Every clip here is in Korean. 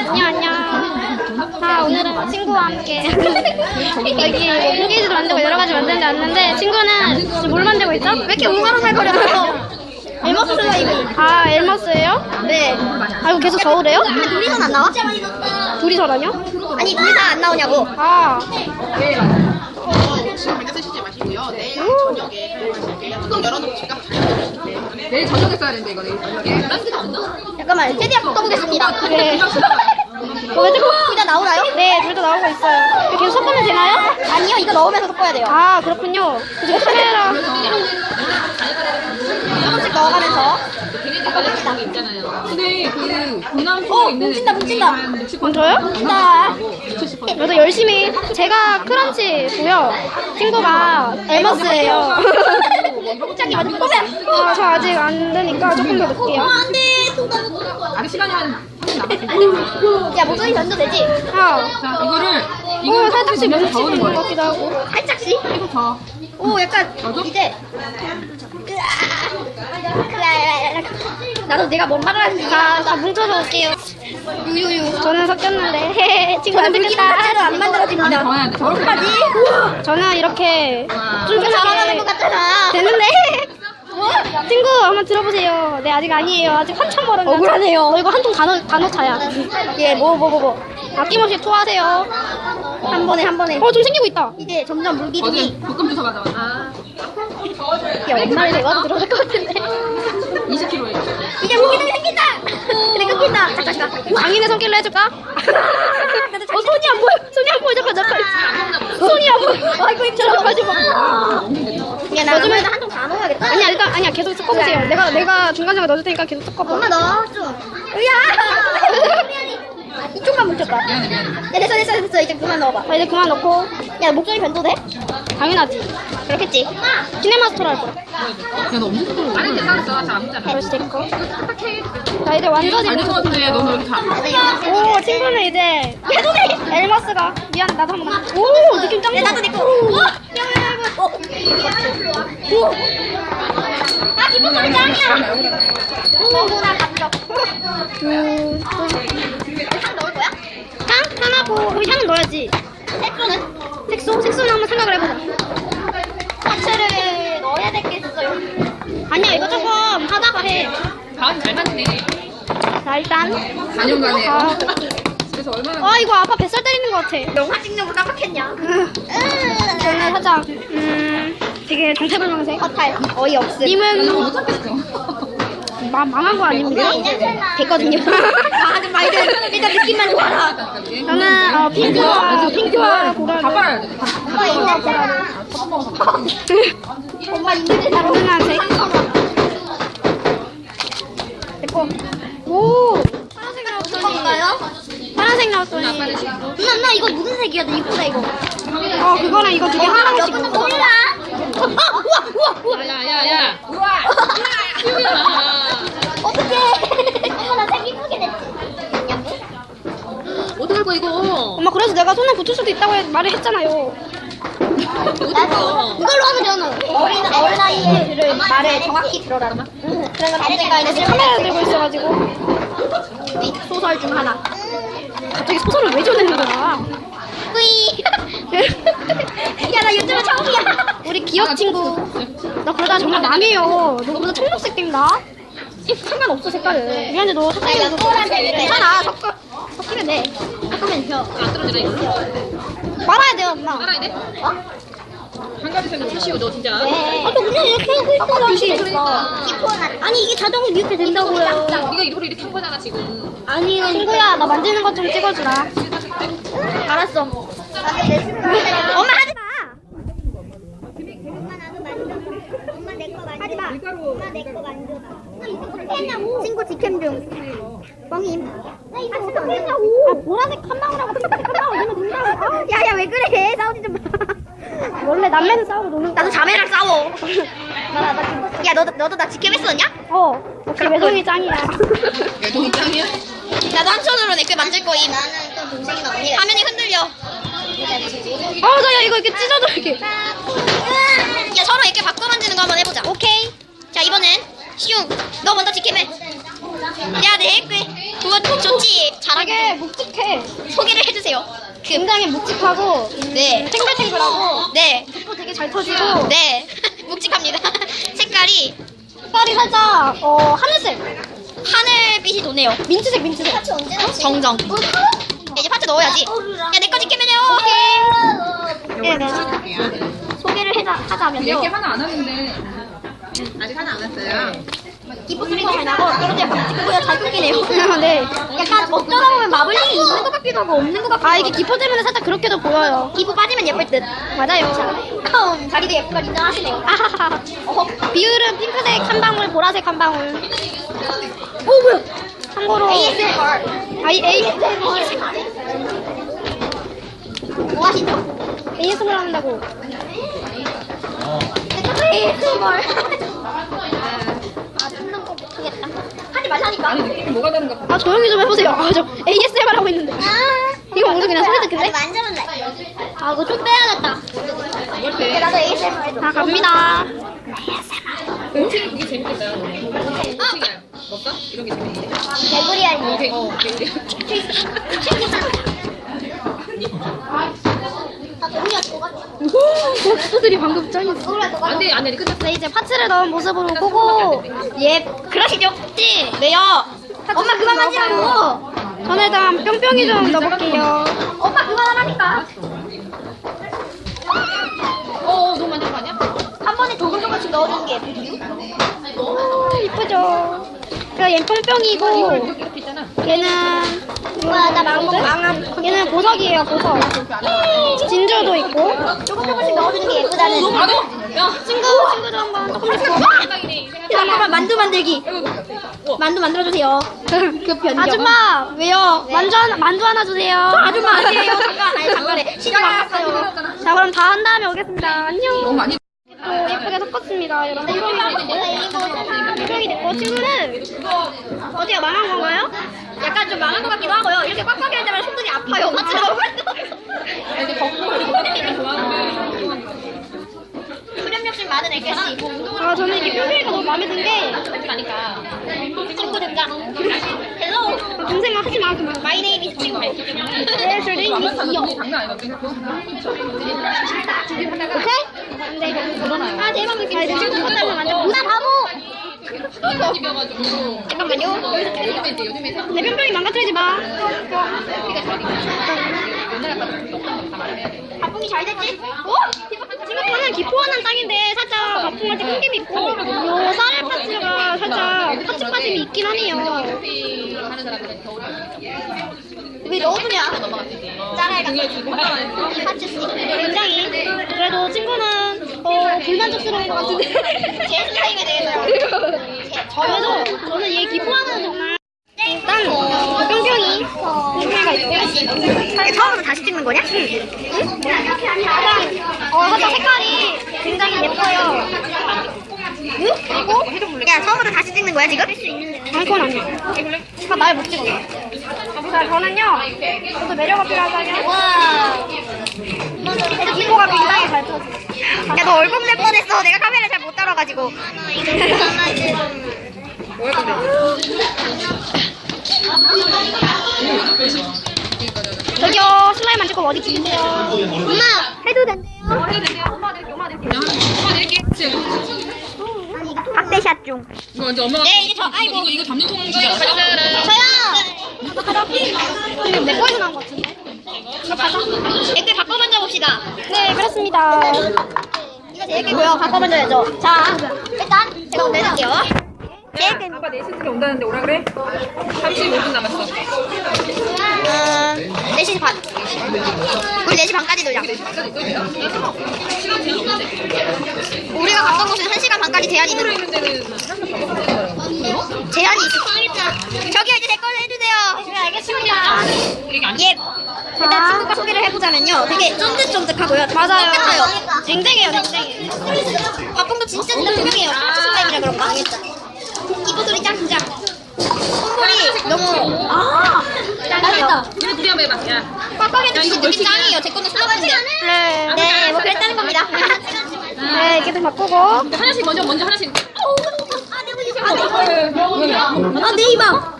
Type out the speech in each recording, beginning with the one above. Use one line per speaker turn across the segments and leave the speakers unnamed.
안녕. 자, 오늘은 친구와 함께 여기 패키지도 만들고 여러 가지 만드는데 왔는데 친구는 지금 뭘 만들고 있죠?
왜 이렇게 웅얼웅얼거려요? 엘머스가 이거.
아, 엘머스예요?
네.
아, 이거 계속 저으래요?
근데 둘이서는 안 나와?
둘이서라뇨?
아니 둘이서 안 나오냐고.
아,
지금 당장 쓰시지 마시고요. 내일 저녁에 사용하실게요. 뚜껑 열어놓고 제가 내일 저녁에 써야 되는데 이거 내일 저녁에.
잠깐만 최대한 섞어보겠습니다.
네. 왜 자꾸
둘 다 나오나요?
네, 둘 다 나오고 있어요. 이거 계속 섞으면 되나요?
아니요 이거 넣으면서 섞어야 돼요.
아, 그렇군요. 지금 카메라.
조금씩 넣어가면서.
근데 그 공남
뭉친다 뭉친다.
먼저요?
자.
저도 열심히. 제가 크런치고요. 친구가 엘머스예요.
갑자기 완전 꼬맨.
저 아직 안 되니까 조금 더 넣을게요.
안돼.
아직 시간이 한 30분 남았어요.
야 목소리 전도 되지?
아,
자 이거를
오, 살짝씩
저으는
뭉치는 것
거예요.
같기도 하고.
살짝씩.
그리고 저
오 약간
너도?
이제. 나도 내가 뭔 말을 하는지
다 뭉쳐서 올게요.
유유유.
저는 섞였는데 친구 안
물기는 자체로
되겠다.
안 만들어집니다.
더 해야 돼. 저렇게
어떡하지?
저는 이렇게
이거 잘하는 것 같잖아.
되는데 친구 한번 들어보세요. 네, 아직 아니에요. 아직 한참 멀었는데.
억울하네요.
이거 한 통 다 넣자야.
예, 뭐.
아낌없이 토하세요.
한 번에.
좀 생기고 있다.
이제 점점 물기둥이.
어제 볶음 주사 가져왔어.
야, 엄마를 대화도 들어줄 것 같은데.
20kg예요.
이제 물기둥이 생긴다. 그래, 끊긴다. 잠깐.
장인의 손길로 해줄까? 손이 안 보여. 잠깐. 손이 안 보여.
아이고, 힘들어.
가지 마.
야, 나 요즘에 한통 다 넣어야겠다.
아니야, 계속 섞어보세요. 내가 중간중간 넣어줄 테니까 계속 섞어봐.
엄마 넣어, 좀. 야! 이쪽만 뭉쳤다.
미안해.
야, 됐어. 이제 그만 넣어봐.
이제 그만 넣고.
야, 목소리 변도돼?
당연하지.
그렇겠지.
시네마스터로 할 거야.
야너 엄청 부끄러워. 아니 괜찮았어. 잘 안 묻잖아.
벌써 됐고. 자, 이제 완전히
아니 그런데 너는 왜 이렇게 잘
오, 친구는 이제 엘머스가 미안, 나도 한 번만. 오, 느낌 짱 좋아.
나도 내 거. 오! 아, 기분 너무 짱이야. 오, 나 감정. 향 넣을 거야?
향하고 우리 향은 넣어야지.
색소는?
색소는 한번 생각을 해보자.
파츠를 넣어야 되겠어요.
아니야, 이거 조금 하다가 해.
다음 잘 맞네.
자, 일단
4년간에
아.
그래서 얼마나
아, 이거 아빠 뱃살 때리는 것 같아.
영화 찍는 거 깜빡했냐?
저는 살짝 되게 정체불명색.
허탈 어이없음.
님은
못 잡겠어.
망한 거 아닙니까?
됐거든요. 하지 말든 일단 느낌만 좋아라.
저는 핑크와 고라니.
다 빨아야 돼.
엄마 있잖아. 엄마 있는데 잘
고른색. 됐고. 오, 파란색 나왔더니.
먹을까요?
파란색 나왔더니.
누나 이거 무슨 색이야? 너 이쁘다 이거.
그거랑 이거 두 개 하나씩.
몰라. 우와.
야야야.
어떡해. 엄마 나 색 이쁘게 됐지.
어떡할 거야 이거.
엄마, 그래서 내가 손에 붙을 수도 있다고 말을 했잖아요.
나도 이걸로 하면 되잖아. 어린아이의 말을 정확히 들어라. 그러면 언젠가에는
카메라 들고 있어가지고.
소설 중 하나.
갑자기 소설을 왜 전해는 거야?
뿌이. 야, 나 유튜브 처음이야.
우리 기억 친구. 나 그러다 정말 망해요. 너보다 청록색 띈다. 상관없어, 색깔은. 미안해, 너
나 이거 노란색이래.
괜찮아, 섞이면 돼.
섞으면 펴.
안 떨어지네 이거.
말아야 돼요, 엄마.
빨아야 돼?
어?
한 가지 색으로 푸시오 너 진짜.
네.
또 그냥 이렇게 하고 있어,
기포는 아니 이게 자동으로 이렇게 된다고요.
네가 이거를 이렇게 한 거잖아 지금.
아니, 친구야, 나 만지는 것 좀 찍어주라.
알았어. 엄마 하지 마. 엄마 내거 만져. 하지 마. 엄마 내거 만져. 친구 직캠 중. 뻥임. 나 이거 어떻게 했냐고.
보라색 한 방울하고 핑크색 한 방울 넣으면 된다고.
야야 왜 그래? 싸우지 좀 마.
원래 남매는 싸우고 노는
나도 자매랑 싸워. 야 너도 나 직캠 했었냐?
역시 외동이 짱이야.
외동이 짱이야?
나도 한 손으로 내 거 만질 거임. 나는 또 동생이나 언니가. 화면이 흔들려.
야, 이거 이렇게 찢어져, 이렇게.
야 서로 이렇게 바꿔 만지는 거 한번 해보자. 오케이. 자 이번엔 시웅 너 먼저 직캠해. 야, 네, 그거 좋지. 잘하게
묵직해.
소개를 해주세요.
굉장히 묵직하고
네.
탱글탱글하고
네.
또 되게 잘 터지고
네. 묵직합니다. 색깔이
색깔이 살짝 하늘색,
하늘빛이 도네요.
민트색.
정정. 이제 파트 넣어야지. 야, 내 거 지켜면요.
네, 소개를 하자면요.
이렇게 하나 안 하는데 아직 하나 안 했어요.
기포 소리가 잘 나고 그런데 약간 묵직보다 잘 끊기네요.
네.
약간 어쩌다 보면 마블링이 있는 것 같기도 하고 없는 것 같기도 하고.
아 이게 기포 때문에 살짝 그렇게도 보여요.
기포 빠지면 예쁠 듯.
맞아요.
자기도 예쁜 걸 인정하시네요.
아하하. 비율은 핑크색 한 방울, 보라색 한 방울. 오 뭐야? 참고로
ASMR. 뭐 하시죠?
ASMR 한다고.
ASMR. 아, 듣는 거 못하겠다. 하지 말라니까.
아니 느낌이 뭐가 다른가 봐.
아 조용히 좀 해보세요. 저 ASMR 하고 있는데. 이거 오늘 그냥 소리 듣길래?
만져볼래.
아 이거 좀 빼야겠다.
나도 ASMR 해줘.
자 갑니다.
음식이 그게 재밌겠다. 음식이야. 먹까? 이런 게 재밌는데.
개구리 아니.
오케이.
아, 동이야, 뭐가 좋아?
박수들이 방금 짱이었어.
동이야, 뭐가
안돼 안돼 끝났어.
네 이제 파츠를 넣은 모습으로 보고
예, 그러시죠? 네요. 엄마 그만 만지라고.
저는 일단 뿅뿅이 좀 넣어볼게요.
엄마 그만하라니까.
너무 많은 거 아니야?
한 번에 조금씩 넣어주는 게 예쁘지?
이쁘죠? 그러니까 얘는 뿅뿅이고
이렇게 있잖아.
얘는
와, 나 망함.
얘는 보석이에요 보석. 진주도 있고
조금씩 넣어주는 게 예쁘다는.
나도. 야
친구도 한번 조금씩
잠깐만, 만두 만들기. 만두 만들어주세요. 그 변경.
아줌마 왜요? 만두 하나 주세요.
아줌마 아니에요. 잠깐에. 시간 바꿨어요.
자 그럼 다 한 다음에 오겠습니다. 안녕.
너무 많이.
또 예쁘게 섞었습니다. 여러분. 뿅뿅이 됐고 친구는 어디가 망한 건가요?
약간 좀 망한 것 같기도 하고요. 이렇게 꽉꽉이 할 때마다 손등이 아파요.
근데 겉보기를 좋아하는
수련 욕심 많은 애결씨.
아 저는 이게 뿅뿅이가 너무 마음에 든 게
거니까.
친구 등장. 헬로.
동생아 하지 마 그만.
마이 네임 이즈 친구.
네, 저는 이요.
장난 아니거든.
오케이? 근데 이거
아, 대박 느낌.
친구 것 때문에 완전
나 바보.
집이어가지고.
잠깐만요.
요즘에
내 뿅뿅이 망가뜨리지 마.
바풍이 잘 됐지?
생각보다는 기포하는 땅인데 살짝 바풍할 때 끈김이 있고 요 쌀알 파츠가 살짝 파츠 빠짐이 있긴 하네요.
하는 사람들은 겨울에
왜 넣어주냐? 짤알 같은
거.
파츠 스틱.
굉장히 그래도 친구는 불만족스러운 것 같은데
제 스타일에 대해서요.
그래도 저는 얘 기포하는 정말 일단 뿅뿅이 뿅뿅이가 있고
처음으로 다시 찍는 거냐?
응? 살짝 색깔이 굉장히 예뻐요. 그리고
야, 처음으로 다시 찍는 거야, 지금?
아니 그건 아니야. 날 못 찍었어. 자 저는요 저도 매력가 필요하다면
와.
기포가 굉장히 잘 터져.
야, 너 얼굴 낼 뻔했어. 내가 카메라 잘 못 따라가지고.
저기요 슬라임 안 찍고 어디 찍으세요?
엄마, 해도 된대요. 박대샷 중.
이거 완전 엄마가.
네, 이제 아이고.
이거 잡는 통 주자.
저요.
근데 내 거에서 나온 것 같은데? 이거 가자.
댓글 바꿔 만져봅시다.
네 그렇습니다.
이거 제 댓글고요. 바꿔 만져야죠. 자, 일단 제가 내릴게요.
아빠 4시쯤에 온다는데 오라 그래? 35분 남았어.
4시 반. 우리 4시 반까지 놀자. 우리가 갔던 곳은 1시간 반까지 제한이 있는
있는 데는
제한이 있어. 저기요, 이제 제 걸로 해주세요. 네, 알겠습니다. 예. 일단 친구가 소개를 해보자면요. 되게 쫀득쫀득하고요.
맞아요.
깨끗해요.
쟁쟁해요 쟁쟁해.
가끔도 진짜 투명해요. 스포츠 슬라임이라 그런가? 이거 소리 짱짱. 콧물이 너무. 맛있다.
우리 둘이 한번 해봐. 야.
꽉꽉이도 진짜 느낌 짱이에요. 제 거는 수납인데.
네.
네, 뭐 그랬다는 겁니다.
네 이렇게 좀 바꾸고.
하나씩 먼저 하나씩.
아, 내가 이제
왜?
네이버.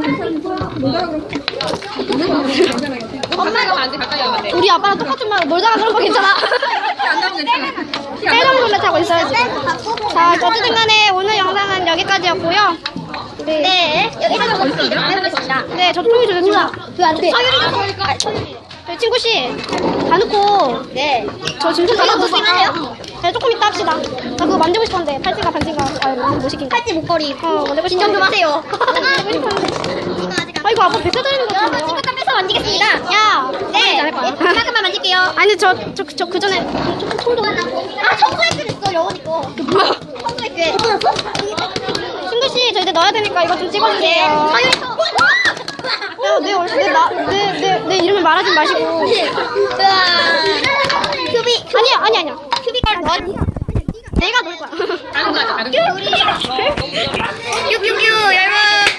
엄마가 안 돼, 가까이 하면 안 돼.
우리 아빠랑 똑같은 말 놀다가 그런 거 괜찮아.
안 나오면 괜찮아.
해당 룰렛 하고 있어야지. 자, 어쨌든 간에 오늘 영상은 여기까지였고요.
네. 여기서 보겠습니다.
네, 저 통이 주셨습니다.
그안 돼.
저희 친구씨, 다 넣고,
네.
저 진짜 다 넣고
먹기만 해요.
네, 조금 이따 합시다. 저 그거 만들고 싶었는데, 팔찌가 반지가, 못 시킨 거.
팔찌 목걸이.
만들고
진정 좀 하세요.
만들고 싶었는데.
이거 아직 안.
아, 이거 아빠 뱉어다니는 거
여러분
같은데.
친구 땀 빼서 만지겠습니다.
야!
네.
잘할 거야.
이만큼만 만질게요.
아니, 저 그 전에, 총도.
아 청소했어 됐어 영원히 거.
뭐야?
청소했어.
친구씨, 저 이제 넣어야 되니까 이거 좀 찍어주세요.
서유리서.
내 이름을 말하지 마시고.
큐비.
아니야.
큐비가 너.
내가 놀 거야.
다른 거 하자, 다른 거.
큐큐큐 여러분.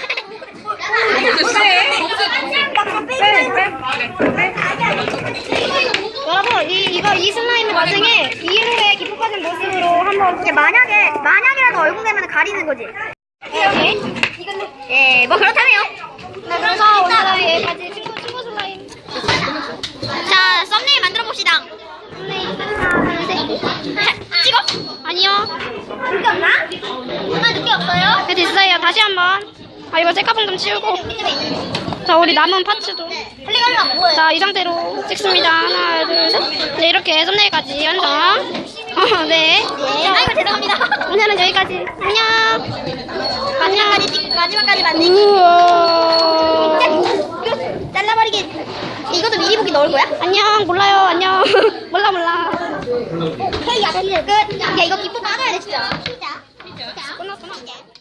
여러분, 이 슬라임을 나중에 이후에 기포까지 모습으로 한번.
만약이라도 얼굴 되면 가리는 거지. 예, 뭐 그렇다네요.
네, 그래서 오늘은 여기까지 친구 슬라임.
자, 썸네일 만들어 봅시다. 찍어?
아니요.
늦게 없나? 엄마 늦게 없어요?
네, 됐어요. 다시 한번. 이거 셀카봉 좀 치우고. 자, 우리 남은 파츠도.
빨리 가려면 뭐해?
자, 이 상태로 찍습니다. 하나, 둘, 셋. 네, 이렇게 썸네일까지 완성. 네.
아이고 죄송합니다.
오늘은 여기까지. 안녕.
마지막까지 만들기.
우와.
잘라버리기. 이것도 미리 보기 넣을 거야?
안녕. 몰라요. 안녕. 몰라.
헤이, 야, 끝. 야, 이거 기포 받아야 돼, 진짜.
끝났구나.